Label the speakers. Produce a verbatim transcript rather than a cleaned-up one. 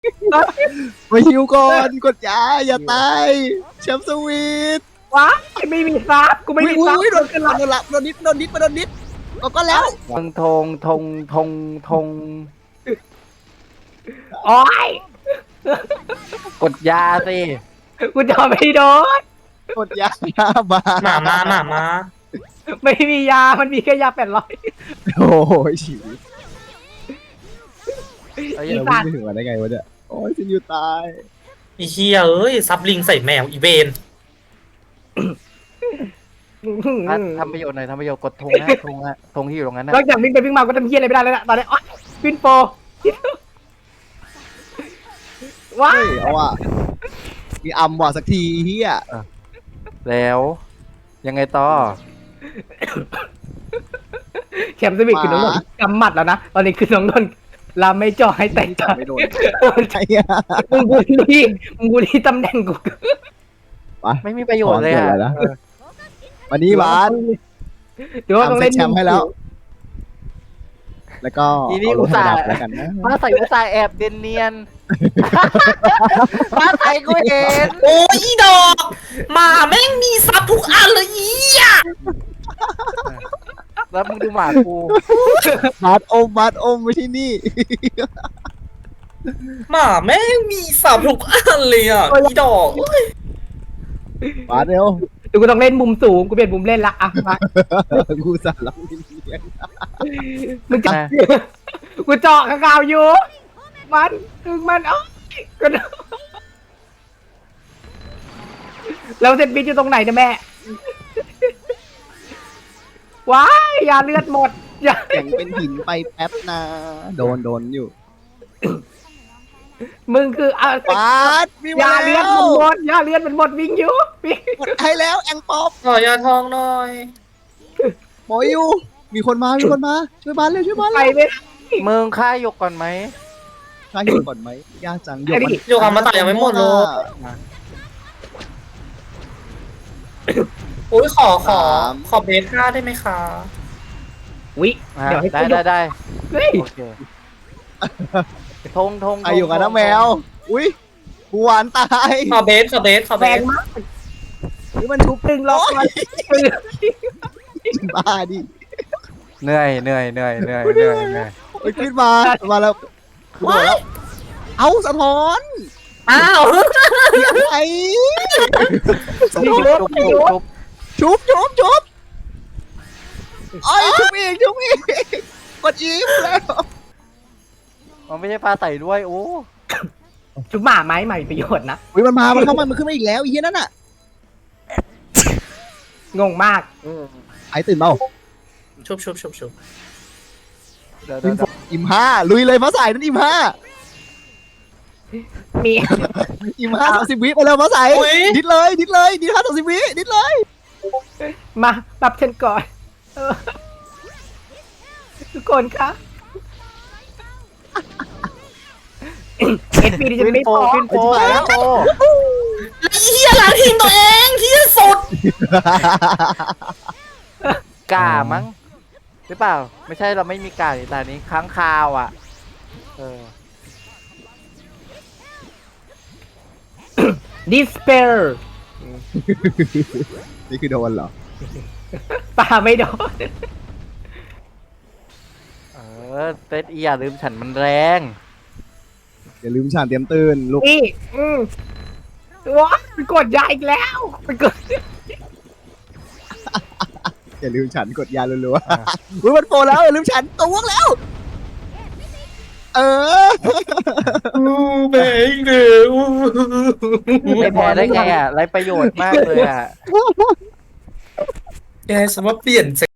Speaker 1: มาฮิวก่อนกดยาอย่าตายแชมป์สวีท
Speaker 2: ว้าไม่มีซับกูไม่มีซับ
Speaker 1: อุ้ยโดนโดนละโดนนิดโดนนิดมาโดนนิดก็ก็แล้ว
Speaker 3: ธงธงธงธงธง
Speaker 2: โอ้ย
Speaker 3: กดยาสิ
Speaker 2: กูจะไม่โดน
Speaker 1: กดยามา
Speaker 4: หมามาหมามา
Speaker 2: ไม่มียามันมีแค่ยาแปดร้อย
Speaker 1: โอ้ยฉีด
Speaker 3: ไอ้
Speaker 2: อี
Speaker 3: เหี้ย
Speaker 2: สัตว์
Speaker 1: ไม่ถึงมาได้ไงวะเนี่ยโอ้ยซินยูตาย
Speaker 4: อีเฮียเอ้ยซับลิงใส่แมวอีเวน
Speaker 3: อ่ะทำประโยชน์หน่อยทำประโยชน์กดธงนะธงอะธงที่อยู่ตรงนั้นนะ
Speaker 2: นอกจากวิ่งไปวิ่งมาก็ทำเฮียอะไรไม่ได้แล้วนะตอนนี้อ๋อวินโปว้า
Speaker 1: เฮ้ยเอาว่ะมีอัมว่ะสักทีเฮีย
Speaker 3: แล้วยังไงต่อ
Speaker 2: แชมป์สวิตคือน้องนนท์กำหมัดแล้วนะตอนนี้คือน้องนนท์ลาไม่จ่อให้แต่ง
Speaker 1: จั
Speaker 2: ตา
Speaker 1: บไม่โดนไอ้อะ
Speaker 2: มึงบูลลี่มึงบูลลี่ตำแหน่งกู
Speaker 3: ไม่มีประโยชน์เลยอะ
Speaker 1: ขอเกิดอะไรนะ วันนี้บาส
Speaker 2: เดี๋ยวต้องเล่น
Speaker 1: ทำเซตแชมป์ให้แล้ว แล้วก็
Speaker 3: ทีนี้
Speaker 1: เอาล
Speaker 3: อุ
Speaker 1: ง
Speaker 3: ต
Speaker 1: ระ
Speaker 3: ส่า
Speaker 1: ดับ
Speaker 3: ห์
Speaker 1: แล้วกันนะ
Speaker 3: ฟ้าใสอุตส่าห์แอบเดนเนียนฟ้าใสกูเห็น
Speaker 4: โอ้ยอีดอกหมาแม่งมีซับทุกอันเลยอีอ่ะ
Speaker 3: แล้วมึงดูหมากู
Speaker 1: บาสอมบาสอมไม่ใช่นี่
Speaker 4: หมาแม่งมีซับทุกอันเลยอ่ะอีดอก
Speaker 1: บาสเร็ว
Speaker 2: เดี๋ยวกูต้องเล่นมุมสูงกูเปลี่ยนมุมเล่นละอ่ะมา
Speaker 1: กูสั่นแล้วไม่เลี้ยง
Speaker 2: มึงจะกูเจาะข้างกาวอยู่มันคือมันเอ้ยก็แล้วเซนบินอยู่ตรงไหนเนี่ยแม่ว้ายยาเลือดหมดยา
Speaker 1: แข่งเป็นหินไปแป๊บนะ โดนโดนอยู่
Speaker 2: มึงคือเอา
Speaker 1: บาสวิ่งาย
Speaker 2: าเลือ
Speaker 1: แล้
Speaker 2: ดมัน
Speaker 1: ว
Speaker 2: หมดยาเลือดมันหมดวิ่งอยู่วิ่ง
Speaker 1: กดให้แล้วแองป๊อป
Speaker 4: ขอยาทองหน่อย
Speaker 1: หมออยู่ มีคนมา มีคนมา ช่วยบาสเร็วช่วยบาส
Speaker 2: ไป
Speaker 1: เร็ว
Speaker 2: ไม่ได้
Speaker 3: มึงฆ่าหยกก่อนไหม
Speaker 1: ข้าอยู่ก่อนไหมยากจัง
Speaker 2: ไอ้นี่
Speaker 4: โยกามาตะยังไม่หมดเลย โอ้ยขอขอขอเบสค่าได้ไหมคะ
Speaker 2: วิ
Speaker 3: อ่ะ
Speaker 2: เดี๋ยวให้
Speaker 3: ได้
Speaker 2: กู
Speaker 3: ได้ได้
Speaker 2: เฮ้ย
Speaker 3: โอเคธงธง
Speaker 1: ใครอยู่กันนะแมว อุ้ยกูหวานตาย
Speaker 4: ขอเบสขอเบสขอเบ
Speaker 2: แรง
Speaker 4: ส
Speaker 2: มาก
Speaker 1: นี่มันชุบ
Speaker 2: ตึงล็อกมัน
Speaker 1: บ้าดิ
Speaker 3: เหนื่อยเหนื่อยเหนื่อยเหนื่อยเหนื่อยเหนื่อย
Speaker 1: ไปขึ้นมา มาแล้วกูโดดแล้ว เอาสะท้อน
Speaker 4: อ้าว
Speaker 1: ไอ้
Speaker 3: จุ๊บจุ๊บจุ๊บจุ๊บ
Speaker 1: ชุบชุบชุบไอ้ยชุบอีกชุบอีกกดอีฟแล้ว
Speaker 3: มันไม่ใช่ปลาใสด้วยโอ้
Speaker 2: จุ๊บหมาไม้ใหม่ประโยชน์นะ
Speaker 1: อุ้ยมันมา มันเข้ามา มันขึ้นมาอีกแล้วไอ้เหี้ยนั่นน่ะ
Speaker 2: งงมาก
Speaker 1: ไอ้ตื่นเปล่า
Speaker 4: ชุบชุบชุบชุบ
Speaker 3: เดี๋ยวเดี๋ยวเดี๋ยว
Speaker 1: อิมห้าลุยเลยฟ้าใสนั่นอิมห้า
Speaker 2: มี
Speaker 1: อิมห้าสามสิบวิไปแล้วฟ้าใสดิดเลย ดิดเลย ดิดห้าสามสิบวิดิดเลย
Speaker 2: มาปรับฉันก่อนเออทุกคนคะเอสพีดิฉัน
Speaker 3: วิน
Speaker 2: ไม่
Speaker 3: โฟ
Speaker 2: พอ
Speaker 3: วินโฟวินโฟ
Speaker 4: แล้วเฮียหลังทีมตัวเองที่สุด
Speaker 3: กามั้งหรือเปล่า ไม่ใช่เราไม่มีกาในตอนนี้ค้างคาวอ่ะเออ
Speaker 2: ดิสเปอร์
Speaker 1: นี่คือโดนเหรอ
Speaker 2: ป่าไม่โดน
Speaker 3: เออเซตอีอย่าลืมฉันมันแรง
Speaker 1: อย่าลืมฉานเตรียมตื่นลูก
Speaker 2: นี่อืมว้าไปกดยาอีกแล้วไปกด
Speaker 1: อย่าลืมฉันกดยารัวๆอุ้ยมันโปรแล้วอย่าลืมฉันตัวงแล้ว เออ
Speaker 4: อู้เบงเดือ
Speaker 3: ไม่แพ้ได้ไงอ่ะไรประโยชน์มากเลยอ่ะ
Speaker 4: แกสมมติเปลี่ยน